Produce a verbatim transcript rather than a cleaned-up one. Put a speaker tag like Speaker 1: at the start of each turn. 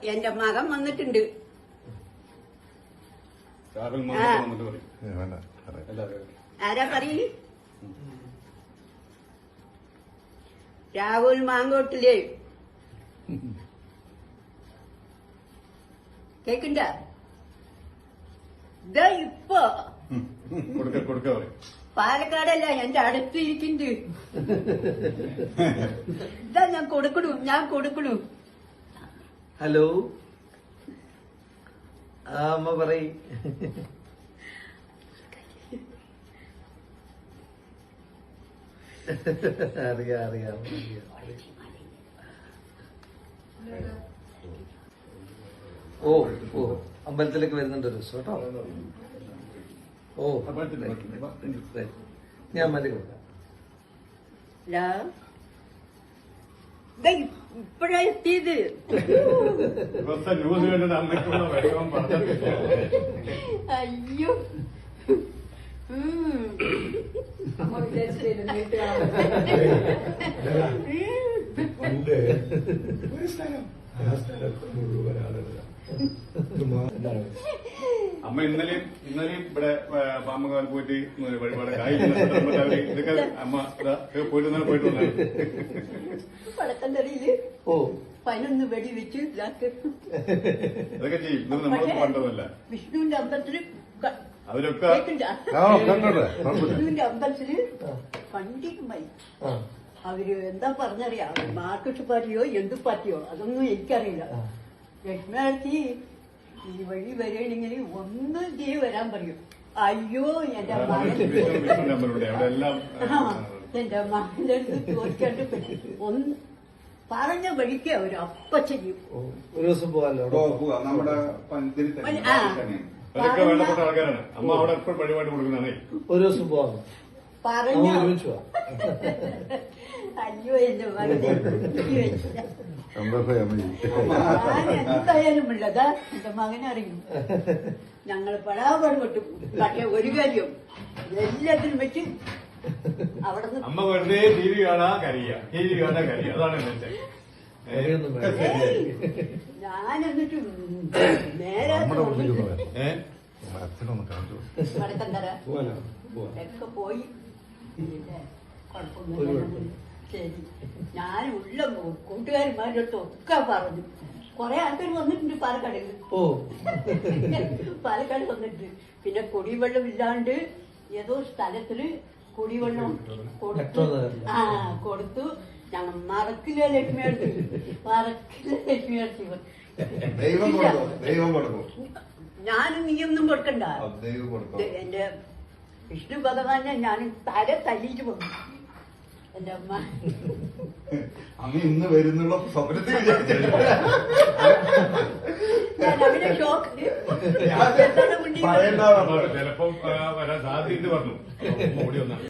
Speaker 1: എന്റെ മകൻ വന്നിട്ടുണ്ട്. ആരാ പറയ്? രാഹുൽ മാങ്കോട്ടില്ലേ? കേക്കണ്ട? ഇതാ ഇപ്പൊ പാലക്കാടല്ല എന്റെ അടുത്തിരിക്കുന്നുണ്ട്. ഇതാ ഞാൻ കൊടുക്കണു, ഞാൻ കൊടുക്കണു.
Speaker 2: ഹലോ, ആ അമ്മ പറയ്. അറിയാം അറിയാം ഓ ഓ അമ്പലത്തിലേക്ക് വരുന്നുണ്ട് ഒരു ദിവസം കേട്ടോ. ഓ ഞാൻ മതി കൊടുക്കാം.
Speaker 1: ഇപ്പഴാ എത്തിയത്. അയ്യോ
Speaker 3: അമ്മ ഇന്നലെയും ഇന്നലെയും ഇവിടെ പാമ്പുകാൽ പോയിട്ട് വഴിപാട് ഇതൊക്കെ അമ്മ പോയിട്ട് ഇന്നലെ പോയിട്ട്
Speaker 1: വടക്കന്തറിയില്
Speaker 2: ഓ
Speaker 1: പതിനൊന്ന് വെടി വെച്ച്
Speaker 3: ഇതൊക്കെ ചെയ്യും. ഇത് നമ്മൾ കണ്ടതല്ല.
Speaker 1: വിഷ്ണുവിന്റെ അമ്പലത്തില്
Speaker 3: അതിലൊക്കെ
Speaker 1: വിഷ്ണുവിന്റെ അമ്പലത്തില് പണ്ടിക്കുമായി അവര് എന്താ പറഞ്ഞറിയാം, മാർക്സിസ്റ്റ് പാർട്ടിയോ എന്ത് പാർട്ടിയോ അതൊന്നും എനിക്കറിയില്ല. ലക്ഷ്മണത്തി ഈ വഴി വരികയാണെങ്കിൽ ഒന്ന് ചെയ്ത് വരാൻ പറയും. അയ്യോ എന്റെ മകൻ എന്റെ മകന്റെ അടുത്ത് ചോദിക്കാണ്ട് ഒന്ന് പറഞ്ഞ വഴിക്ക് അവര് അപ്പ ചെയ്യും.
Speaker 2: ഒരു ദിവസം പോകാമല്ലോ
Speaker 3: നമ്മുടെ വേണ്ടപ്പെട്ട ആൾക്കാരാണ്. അമ്മ അവിടെ എപ്പോഴും വഴിപാട് കൊടുക്കുന്നതാണേ.
Speaker 2: ഒരു ദിവസം പോകാം
Speaker 1: പറഞ്ഞ
Speaker 2: ഒരുമിച്ച് പോവാം.
Speaker 1: അയ്യോ എന്റെ മകനെ ഞാൻ എന്തായാലും ഉള്ളതാ എന്റെ മകനറിയും. ഞങ്ങള് പടാപാട് പെട്ടു. പക്ഷെ ഒരു കാര്യം എല്ലാത്തിനും വെച്ച് അവിടെ
Speaker 3: അമ്മ വെറുതെ ടി വി കാണാ കരിയ ടി വി കാണാ കരിയ അതാണ്
Speaker 1: ഞാൻ എന്നിട്ട് നേരെ വടക്കന്തര ഒക്കെ പോയി. ശരി, ഞാൻ ഉള്ള കൂട്ടുകാരന്മാരുടെ അടുത്ത് ഒക്കെ പറഞ്ഞു. കൊറേ ആൾക്കാർ വന്നിട്ടുണ്ട് പാലക്കാടിൽ.
Speaker 2: ഓ
Speaker 1: പാലക്കാട് വന്നിട്ട് പിന്നെ കുടിവെള്ളം ഇല്ലാണ്ട് ഏതോ സ്ഥലത്തില് കുടിവെള്ളം കൊടുത്തു. ആ കൊടുത്തു. ഞങ്ങൾ മറക്കില്ല ലക്ഷ്മി അടുത്ത്, മറക്കില്ല ലക്ഷ്മി അടുത്ത്. ഞാനും നീയൊന്നും കൊടുക്കണ്ട. എന്റെ വിഷ്ണു ഭഗവാനെ ഞാൻ തല തല്ലിയിട്ട് പോകും. എന്റെ അമ്മ
Speaker 3: അമ്മ ഇന്ന് വരുന്നുള്ള സ്വപ്നത്തിൽ
Speaker 1: ഞാൻ അവനെ ഷോക്ക്
Speaker 3: ചിലപ്പം വരാൻ സാധ്യത പറഞ്ഞു.